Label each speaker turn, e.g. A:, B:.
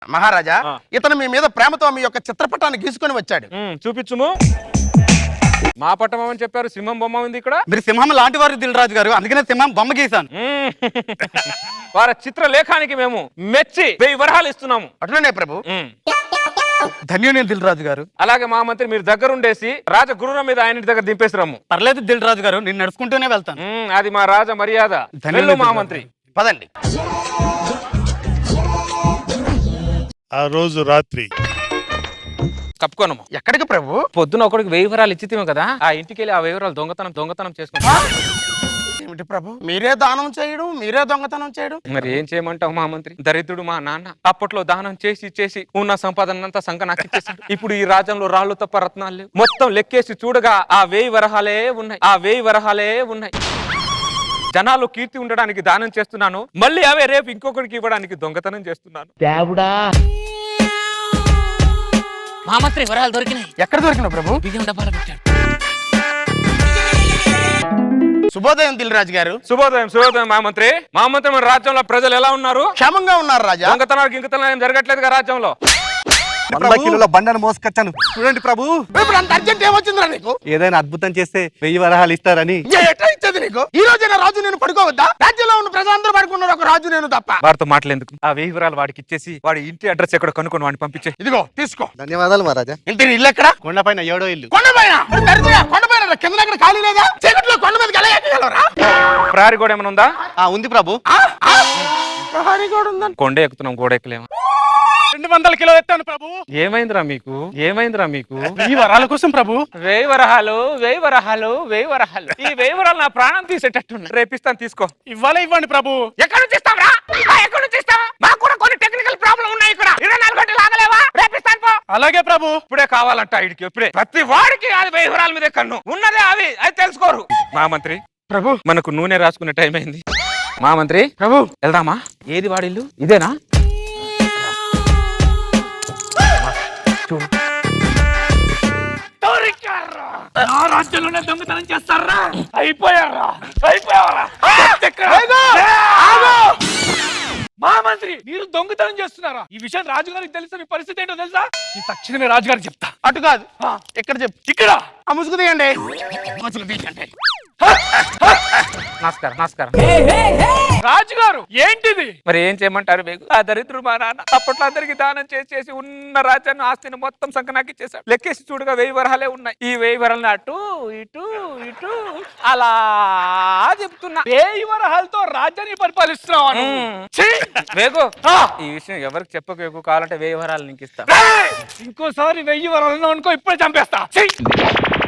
A: మహారాజా ఇతను మీ మీద ప్రేమతో మీ యొక్క చిత్రపటాన్ని గీసుకొని వచ్చాడు.
B: చూపించుము. మా పట్టం అని చెప్పారు, సింహం బొమ్మ ఉంది ఇక్కడ.
C: మీరు సింహం లాంటి వారు దిల్రాజు గారు, అందుకనే సింహం బొమ్మ గీసాను.
B: వారి చిత్రలేఖానికి మేము మెచ్చి 1000 వరహాలు ఇస్తున్నాము.
A: అట్లనే ప్రభు.
C: ధన్యుని దిల్రాజు గారు.
B: అలాగే మా మంత్రి మీరు దగ్గరుండేసి రాజగురువుల మీద ఆయన దగ్గర దింపేసి రమ్ము.
C: పర్లేదు దిల్రాజు గారు, నేను నడుచుకుంటూనే వెళ్తాను.
B: అది మా రాజ మర్యాద. వెళ్ళు మా మంత్రి.
A: పదండి.
D: ఆ రోజు రాత్రి
B: కప్పుకోనము.
A: ఎక్కడికి ప్రభు?
B: పొద్దున ఒకడికి 1000 వరాలు ఇచ్చితేమో కదా, ఆ ఇంటికి వెళ్ళి ఆ 1000 వరాలు దొంగతనం చేసుకుంటా.
A: ఏమిటి ప్రభు, మీరే దానం చేయడం, మీరే దొంగతనం చేయడం?
B: మరి ఏం చేయమంటావు మా మంత్రి? దరిద్రుడు మా నాన్న అప్పట్లో దానం చేసి ఉన్న సంపాదన అంతా సంఘ నాకు ఇచ్చేసాడు. ఇప్పుడు ఈ రాజ్యంలో రాళ్ళు తప్ప రత్నాలు లేవు. మొత్తం లెక్కేసి చూడగా ఆ 1000 వరహాలే ఉన్నాయి. జనాలు కీర్తి ఉండడానికి దానం చేస్తున్నాను, మళ్ళీ అవే రేపు ఇంకొకరికి ఇవ్వడానికి దొంగతనం చేస్తున్నాను. మా మంత్రి వరాలు దొరికినాయి.
A: ఎక్కడ దొరికిన ప్రభు?
B: బియ్యం డబ్బాలో పెట్టాడు.
A: శుభోదయం దిల్రాజు గారు.
B: శుభోదయం మా మంత్రి. మన రాజ్యంలో ప్రజలు ఎలా ఉన్నారు?
A: క్షేమంగా ఉన్నారు రాజా.
B: దొంగతనాలు గింగతనాలు ఏం జరగట్లేదు రాజ్యంలో.
C: 100 కిలోల బండను మోసుకొచ్చాను చూడండి ప్రభు.
A: ఇప్పుడు అంత అర్జెంట్ ఏమొచ్చిందిరా నీకు?
C: ఏదైనా అద్భుతం చేస్తే 1000 వరహాలు ఇస్తారని.
A: ఎట్లా ఇచ్చేది నీకు? ఈ రోజైనా రాజు నేను పడుకోవద్దా? రాజ్యంలో ఉన్న ప్రజలందరూ పడుకున్నారు, ఒక రాజు నేను తప్ప.
B: వాడితో మాట్లాడేందుకు ఆ 1000 వరాలు వాడికి ఇచ్చేసి వాడి ఇంటి అడ్రస్ ఎక్కడ కనుక్కొని వాడిని పంపించే.
A: ఇదిగో తీసుకో.
C: ధన్యవాదాలు మహారాజా.
A: ఇంటి ఇల్లు ఎక్కడ?
C: కొండపైన 7వ ఇల్లు.
A: కొండపైన? కొండపైన కింద దగ్గర ఖాళీ లేదా? చీకట్లో కొండ మీదకి ఎలా ఎక్కగలరా?
B: ప్రహరీ గోడ ఏమైనా ఉందా?
C: ఉంది ప్రభు.
A: ప్రహరీ గోడ ఉందని
B: కొండ ఎక్కుతున్నాం, గోడ ఎక్కలేము.
D: 200 కిలో ఎత్తాను ప్రభు.
B: ఏమైందిరా మీకు?
D: 1000 వరాల కోసం ప్రభు.
B: 1000 వరహాలు. ఈ 1000 వరాలు నా ప్రాణం తీసేటట్టున్నా. రేపిస్తాను, తీసుకో.
D: ఇవ్వండి ప్రభు.
B: ఎక్కడి నుంచి ఇస్తావా? మాకు కూడా కొన్ని టెక్నికల్ ప్రాబ్లం ఉన్నాయి ఇక్కడ. 24 గంటలు ఆగలేవా? రేపిస్తాను పో.
D: అలాగే ప్రభు.
B: ఇప్పుడే కావాలంట ఇడికి, ఇప్పుడే. ప్రతి వాడికి అది 1000 వరాల మీదే కన్ను ఉన్నదే. అది తెలుసుకోరు. మా మంత్రి
A: ప్రభు,
B: మనకు నూనె రాసుకునే టైం అయింది. మా మంత్రి
A: ప్రభు
B: వెళ్దామా? ఏది వాడిల్లు? ఇదేనా? రాజ్యంలోనే దొంగతనం చేస్తారా? అయిపోయారా?
D: మా మంత్రి మీరు దొంగతనం చేస్తున్నారా? ఈ విషయం రాజుగారికి తెలుసా? మీ పరిస్థితి ఏంటో తెలుసా? ఈ తక్షణమే రాజుగారికి చెప్తా.
A: అటు కాదు, ఎక్కడ చెప్పు.
D: ఇక్కడ
A: ఆ ముసుగు తీయండి.
B: నమస్కారం.
D: రాజుగారు ఏంటిది?
B: మరి ఏం చేయమంటారు మీకు? ఆ దరిద్రుడు మా నాన్న అప్పట్లో అందరికి దానం చేసి ఉన్న రాజ్యాన్ని ఆస్తిని మొత్తం సంకనాకి చేశాడు. లెక్కేసి చూడగా 1000 వరహాలే ఉన్నాయి. ఈ 1000 వరహాలను అటు ఇటు అలా చెప్తున్నా.
D: 1000 వరహాలతో రాజ్యాన్ని పరిపాలిస్తున్నావు.
B: వేగు, ఈ విషయం ఎవరికి చెప్పకు. కావాలంటే 1000 వరహాలు నీకు ఇస్తా.
D: ఇంకోసారి 1000 వరహాలను అనుకో, ఇప్పుడే చంపేస్తా.